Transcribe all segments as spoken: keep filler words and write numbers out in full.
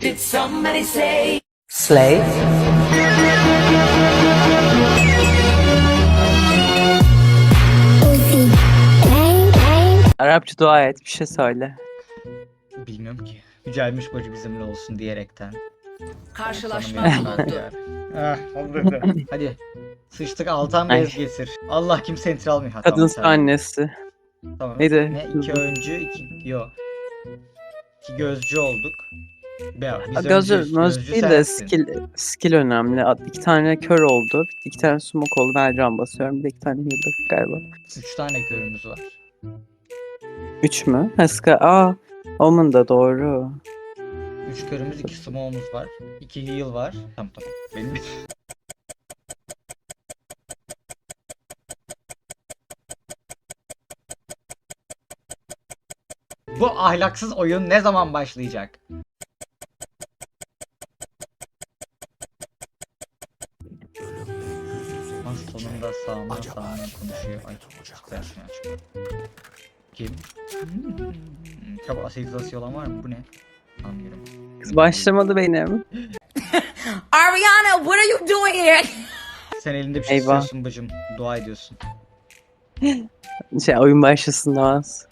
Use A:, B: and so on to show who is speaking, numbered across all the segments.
A: Did somebody say
B: Slave. Arapça dua et, bir şey söyle.
C: Bilmiyorum ki. Yücelmiş bacı bizimle olsun diyerekten.
A: karşılaşma
C: Tanımıyorlar
A: bulundu.
C: ya. Ah, oldu. Hadi. Sıçtık Altan
B: Ay.
C: bez getir. Allah kimse enter almıyor. Ha,
B: Kadın
C: tamam, tamam.
B: annesi.
C: Tamam.
B: Neydi?
C: Ne? İki öncü, iki... Yo. İki gözcü olduk. Be, biz
B: Gözü,
C: öncüyüz,
B: möz
C: gözcü
B: değil de
C: sensin.
B: skill, skill önemli. At- İki tane kör oldu, iki tane smoke oldu. Ben can basıyorum, bir de iki tane healer galiba.
C: Üç tane körümüz var.
B: Üç mü? Heska, aa, Omen da doğru.
C: Üç körümüz, iki smoke'umuz var. İki heal var. Tamam tamam. Benim Bu ahlaksız oyun ne zaman başlayacak? Lan sonunda sağımdan sağımdan konuşuyor. Ay çıktı yaşına çıktı. Kim? Hmm. Çabuk aseizasyon olan var mı? Bu ne? Anlıyorum.
B: Kız başlamadı benim.
A: Ariana, what are you doing here?
C: Sen elinde bir şey
B: Eyvah.
C: tutuyorsun bacım. Dua ediyorsun.
B: Şey, oyun başlasın az.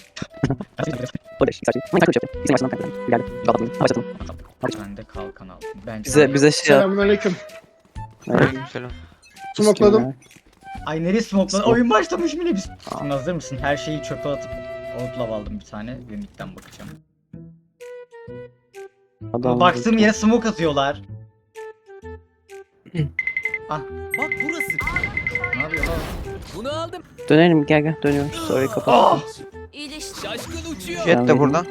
C: Ben de kalkan aldım. Bence
B: Bize bize şey yap.
D: Selamünaleyküm.
E: Selam.
D: Smokladım.
C: Ay nereye smoke'lan?
B: Smoke.
C: Oyun başlamış bile biz. Şimdi hazır mısın? Her şeyi çöpe atıp outlaw aldım bir tane ve midden bakacağım.
B: Adam
C: Baktığım yere smoke atıyorlar.
E: Bak burası.
C: Ne yapıyor lan?
E: Bunu aldım.
B: Dönelim, gel gel dönüyoruz. Orayı kapat.
C: Ah!
E: Şaşkın uçuyor.
B: Jet de burada.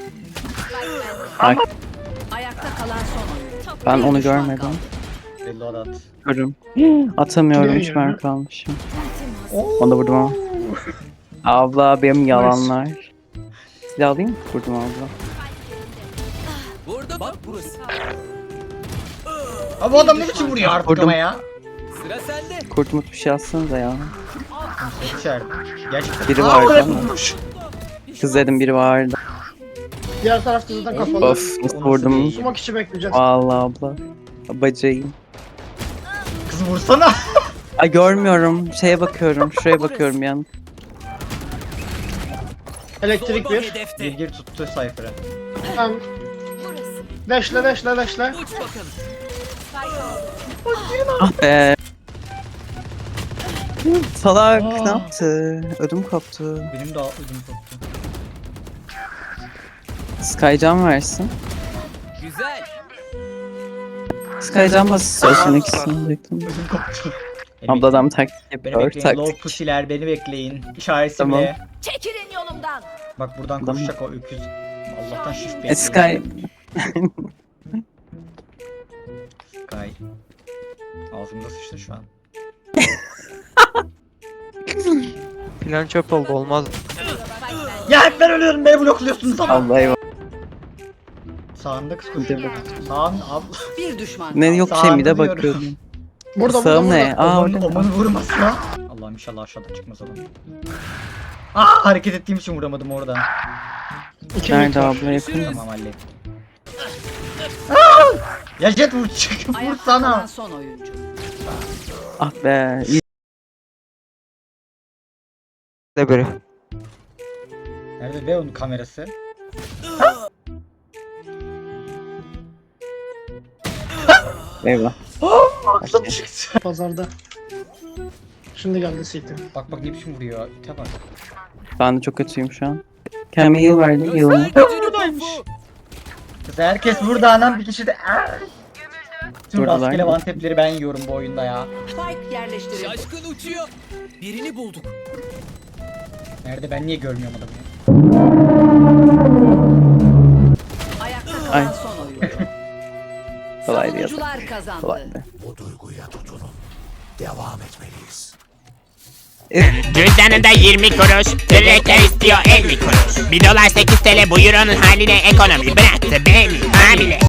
A: Ayakta kalan son oyun.
B: Ben
A: Bir
B: onu
A: düşman
B: görmedim.
A: kaldı.
C: Reload at.
B: Görüm. Atamıyorum,
D: Ne
B: hiç
D: ya?
B: mermi kalmışım. Onu da vurdum ama. Abla benim yalanlar. Silah alayım mı? Vurdum abla.
E: Burada bak burası.
C: Abi bu adam ne biçim vuruyor artık
B: Vurdum.
C: ama ya?
E: Sıra sende.
B: Kurt mut bir şey atsanıza ya.
C: İçeride. Gerçekten.
B: Biri
C: Aa,
B: vardı
C: oraya
B: ama.
C: vurmuş.
B: Kız dedim, biri vardı.
D: Diğer tarafta zaten kapalı.
B: Of, nasıl
C: Onu
B: vurdum.
C: seveyim.
D: Sumak işi bekleyeceğiz.
B: Vallahi abla. Bacayım.
C: Kız vursana.
B: Ay görmüyorum. Şeye bakıyorum. Şuraya bakıyorum yan.
D: Elektrik
E: Zorba
D: bir.
C: Gir
E: hedefte.
C: gir tuttu Cypher'ı.
D: Tamam. Deşle deşle deşle.
E: Uç bakalım.
B: Ah be. Salak
C: Aa.
B: ne yaptı? Ödüm koptu.
C: Benim de ödüm koptu.
B: Skycan versin.
E: Güzel.
B: Skycan bas istiyorsan ikisini bekledim.
C: Ödüm koptu. Beni
B: Abla adam taktik
C: Beni
B: yapıyor.
C: bekleyin. Low
B: Taktik.
C: pussy'ler beni bekleyin. İşareti
B: Tamam.
C: bile.
A: Çekilin yolumdan.
C: Bak buradan
B: Tamam.
C: koşacak o öküz. Allah'tan shift
B: E,
C: bekliyor.
B: Sky.
C: Sky. Ağzımda sıçtı şu an.
F: Plan çöp oldu, olmaz.
C: Ya hep ben ölüyorum, beni blokluyorsunuz ama.
B: Allah eyvallah.
C: Sağında kız
B: Hadi
C: koşuyor. Sağın abla.
A: Bir düşman kaldı.
B: Ne yok şey mi de
C: Sağını
B: bakıyorum.
D: Burada burada
B: Sağım ne?
D: burada.
B: Aa
C: Oman,
B: orada.
C: omanı vurmasın. Allah'ım inşallah aşağıdan çıkmaz adam. Aa hareket ettiğim için vuramadım oradan.
D: İki mid
B: Nerede
D: var.
B: abla yakın?
C: Tamam hallettim. Aa! Ya Jet vur çık vur
A: Ayakta kalan
C: sana.
A: son oyuncu.
B: Ah be. iyi.
F: De biri.
C: Nerede be onun kamerası?
B: Eyvah.
C: Aklım çıktı.
D: Pazarda. Şimdi geldi C T.
C: Bak bak ne biçim vuruyor. İte bak.
B: Ben de çok kötüyüm şu an. Kendime heal verdi. Heal'ımı.
C: Buradaymış. Kız herkes burada anam bir kişi de. Aa! Tüm
B: Buradalar.
C: rastgele one tap'leri ben yiyorum bu oyunda ya.
A: Spike yerleştirildi.
E: Şaşkın uçuyor. Birini bulduk.
C: Nerede ben niye görmüyorum adamı ya?
A: Ayakta
B: Ay.
A: kalan son oyuncu.
B: Kolaydı ya.
A: Savunucular kazandı.
B: Kolaydı.
G: Cüzdanında yirmi kuruş, Türkler istiyor elli kuruş. Bir dolar sekiz T L bu euronun haline ekonomi bıraktı beni hamile.